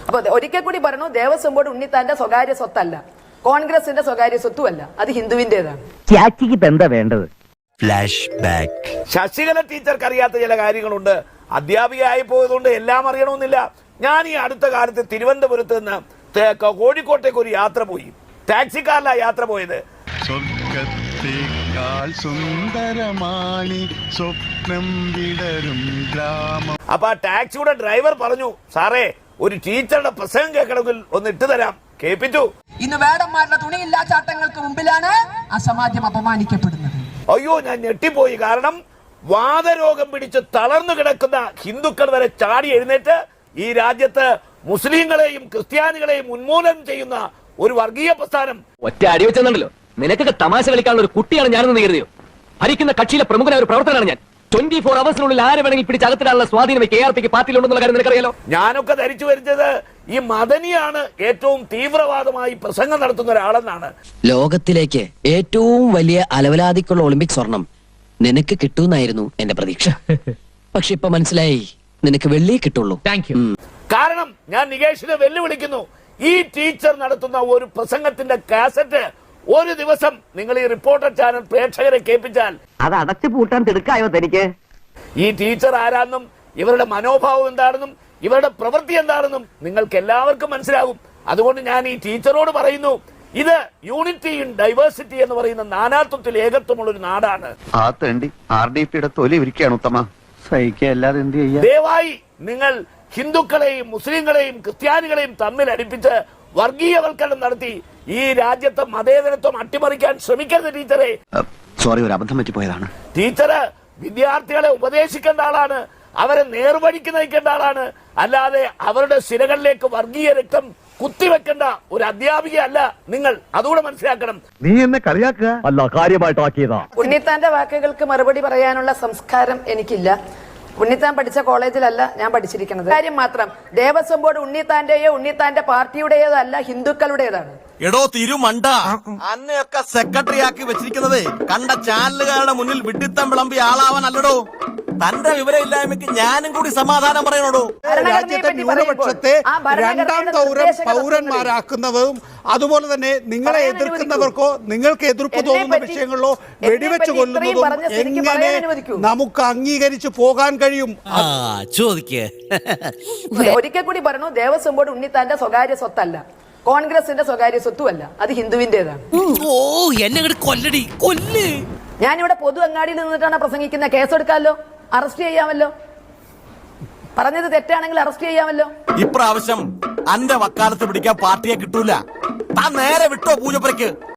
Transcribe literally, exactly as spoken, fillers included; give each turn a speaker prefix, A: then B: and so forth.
A: അപ്പൊ ഒരിക്കൽ കൂടി പറഞ്ഞു, ദേവസ്വം ബോർഡ് ഉണ്ണിത്താന്റെ സ്വകാര്യ സ്വത്തല്ല, കോൺഗ്രസിന്റെ സ്വകാര്യ സ്വത്തുമല്ല, അത് ഹിന്ദുവിന്റേതാണ്.
B: എന്താ വേണ്ടത്?
C: Flash back.
D: ശശികല ടീച്ചർക്ക് അറിയാത്ത ചില കാര്യങ്ങളുണ്ട്. അധ്യാപികയായി പോയതുകൊണ്ട് എല്ലാം അറിയണമെന്നില്ല. ഞാൻ ഈ അടുത്ത കാലത്ത് തിരുവനന്തപുരത്ത് നിന്ന് കോഴിക്കോട്ടേക്ക് ഒരു യാത്ര പോയി. ടാക്സിക്കാരിലാ യാത്ര പോയത്. അപ്പൊ ആ ടാക്സിയുടെ ഡ്രൈവർ പറഞ്ഞു, സാറേ ഒരു ടീച്ചറുടെ പ്രസംഗം കേൾക്കണമെങ്കിൽ ഒന്ന് ഇട്ടു തരാം. കേൾപ്പിച്ചു.
E: ഇന്ന് വേടന്മാരുടെ തുണിയില്ലാ ചാട്ടങ്ങൾക്ക് മുമ്പിലാണ് ആ സമാജം അപമാനിക്കപ്പെടുന്നത്.
D: അയ്യോ, ഞാൻ ഞെട്ടിപ്പോയി. കാരണം വാതരോഗം പിടിച്ച് തളർന്നു കിടക്കുന്ന ഹിന്ദുക്കൾ വരെ ചാടി എഴുന്നേറ്റ് ഈ രാജ്യത്ത് മുസ്ലിങ്ങളെയും ക്രിസ്ത്യാനികളെയും ഉന്മൂലനം ചെയ്യുന്ന ഒരു വർഗീയ പ്രസ്ഥാനം.
B: ഒറ്റ അടി വെച്ചെന്നുണ്ടല്ലോ, നിനക്കൊക്കെ തമാശ കളിക്കാനുള്ള ഒരു കുട്ടിയാണ് ഞാനെന്ന് കരുതിയോ? ഭരിക്കുന്ന കക്ഷിയിലെ പ്രമുഖനായ ഒരു പ്രവർത്തനമാണ് ഞാൻ. ട്വന്റി ഫോർ അവേഴ്സിനുള്ളിൽ ആരെ വേണമെങ്കിൽ പിടിച്ചകത്തിടാനുള്ള സ്വാധീനം കെ ആർ പിക്ക് പാർട്ടിയിലുണ്ടെന്നുള്ള കാര്യം നിനക്കറിയാലോ.
D: ഞാനൊക്കെ ധരിച്ചു വരുന്നത് ഈ മദനിയാണ് ഏറ്റവും തീവ്രവാദമായി പ്രസംഗം നടത്തുന്ന ഒരാളെന്നാണ്.
F: ലോകത്തിലേക്ക് ഏറ്റവും വലിയ അലവലാതിക്കുള്ള ഒളിമ്പിക് സ്വർണം നിനക്ക് കിട്ടുമെന്നായിരുന്നു എന്റെ പ്രതീക്ഷ. പക്ഷെ ഇപ്പൊ മനസ്സിലായി, നിനക്ക് വെള്ളി കിട്ടുള്ളൂ. Thank you. കാരണം
D: ഞാൻ നികേഷിനെ വെല്ലുവിളിക്കുന്നു, ഈ ടീച്ചർ നടത്തുന്ന ഒരു പ്രസംഗത്തിന്റെ കാസറ്റ് ഒരു ദിവസം നിങ്ങൾ ഈ റിപ്പോർട്ടർ ചാനൽ പ്രേക്ഷകരെ കേൾപ്പിച്ചാൽ
B: അത് അടച്ചു പൂട്ടാൻ തിടുക്കായോ തനിക്ക്?
D: ഈ ടീച്ചർ ആരാണെന്നും ഇവരുടെ മനോഭാവം എന്താണെന്നും ഇവരുടെ പ്രവൃത്തി എന്താണെന്നും നിങ്ങൾക്ക് എല്ലാവർക്കും മനസ്സിലാകും. അതുകൊണ്ട് ഞാൻ ഈ ടീച്ചറോട് പറയുന്നു, ഇത് യൂണിറ്റി ഇൻ ഡൈവേഴ്സിറ്റി എന്ന് പറയുന്ന നാനാത്വത്തിൽ ഏകത്വമുള്ള ഒരു നാടാണ്.
G: ആ തേണ്ടി ആർ ഡി പിയുടെ തൊലി ഇരിക്കുകയാണ് ഉത്തമ. സഹിക്കല്ലാതെ എന്ത് ചെയ്യാ?
D: ദയവായി നിങ്ങൾ ഹിന്ദുക്കളെയും മുസ്ലിങ്ങളെയും ക്രിസ്ത്യാനികളെയും തമ്മിൽ അടുപ്പിച്ച് വർഗീയവൽക്കരണം നടത്തി ഈ രാജ്യത്തെ മതേതരത്വം അട്ടിമറിക്കാൻ ശ്രമിക്കരുത് ടീച്ചറെ.
G: സോറി, ഒരു അബദ്ധം പറ്റിപ്പോയതാണ്.
D: ടീച്ചറ് വിദ്യാർത്ഥികളെ ഉപദേശിക്കേണ്ട ആളാണ്, അവരെ നേർവഴിക്ക് നയിക്കേണ്ട ആളാണ്. അല്ലാതെ അവരുടെ സിരകളിലേക്ക് വർഗീയ രക്തം കുത്തിവെക്കേണ്ട ഒരു അധ്യാപിക അല്ല നിങ്ങൾ. അതുകൂടെ മനസ്സിലാക്കണം.
G: നീ എന്നെ കളിയാക്കുക
B: അല്ല, കാര്യമായിട്ടാക്കിയതാ.
A: ഉണ്ണിത്താന്റെ വാക്കുകൾക്ക് മറുപടി പറയാനുള്ള സംസ്കാരം എനിക്കില്ല. ഉണ്ണിത്താൻ പഠിച്ച കോളേജിലല്ല ഞാൻ പഠിച്ചിരിക്കുന്നത്. കാര്യം മാത്രം, ദേവസ്വം ബോർഡ് ഉണ്ണിത്താന്റെയോ ഉണ്ണിത്താന്റെ പാർട്ടിയുടേതോ അല്ല, ഹിന്ദുക്കളുടേതാണ്.
C: എടോ തിരുമണ്ട, അന്നയൊക്കെ സെക്രട്ടറി ആക്കി വെച്ചിരിക്കുന്നത് കണ്ട ചാനലുകാരുടെ മുന്നിൽ വിഡിത്തം വിളമ്പി ആളാവാൻ അല്ലടോ. തന്റെ വിവരമില്ലായ്മയ്ക്ക് ഞാനും കൂടി സമാധാനം പറയണോടോ.
H: രാജ്യത്തെ ന്യൂനപക്ഷത്തെ രണ്ടാം തൗരം പൗരന്മാരാക്കുന്നതും അതുപോലെ തന്നെ നിങ്ങളെ എതിർക്കുന്നവർക്കോ നിങ്ങൾക്ക് എതിർപ്പ് തോന്നുന്ന വിഷയങ്ങളിലോ വെടിവെച്ച് കൊല്ലുന്നതും എങ്ങനെ നമുക്ക് അംഗീകരിച്ചു പോകാൻ കഴിയും?
C: ചോദിക്കേ.
A: ഒരിക്കൽ കൂടി പറഞ്ഞു, ദേവസ്വം ബോർഡ് ഉണ്ണിത്താന്റെ സ്വകാര്യ സ്വത്തല്ല, കോൺഗ്രസിന്റെ സ്വകാര്യ സ്വത്തുമല്ല, അത് ഹിന്ദുവിന്റേതാണ്.
C: ഓ, എന്നെ കൊല്ലടി കൊല്ല്.
A: ഞാനിവിടെ പൊതു അങ്ങാടിയിൽ നിന്നിട്ടാണ് പ്രസംഗിക്കുന്ന. കേസെടുക്കാമല്ലോ, അറസ്റ്റ് ചെയ്യാമല്ലോ. പറഞ്ഞത് തെറ്റാണെങ്കിൽ അറസ്റ്റ് ചെയ്യാമല്ലോ.
C: ഇപ്രാവശ്യം അന്റെ വക്കാലത്ത് പിടിക്കാൻ പാർട്ടിയെ കിട്ടൂല. താൻ നേരെ വിട്ടോ പൂജപ്പുരയ്ക്ക്.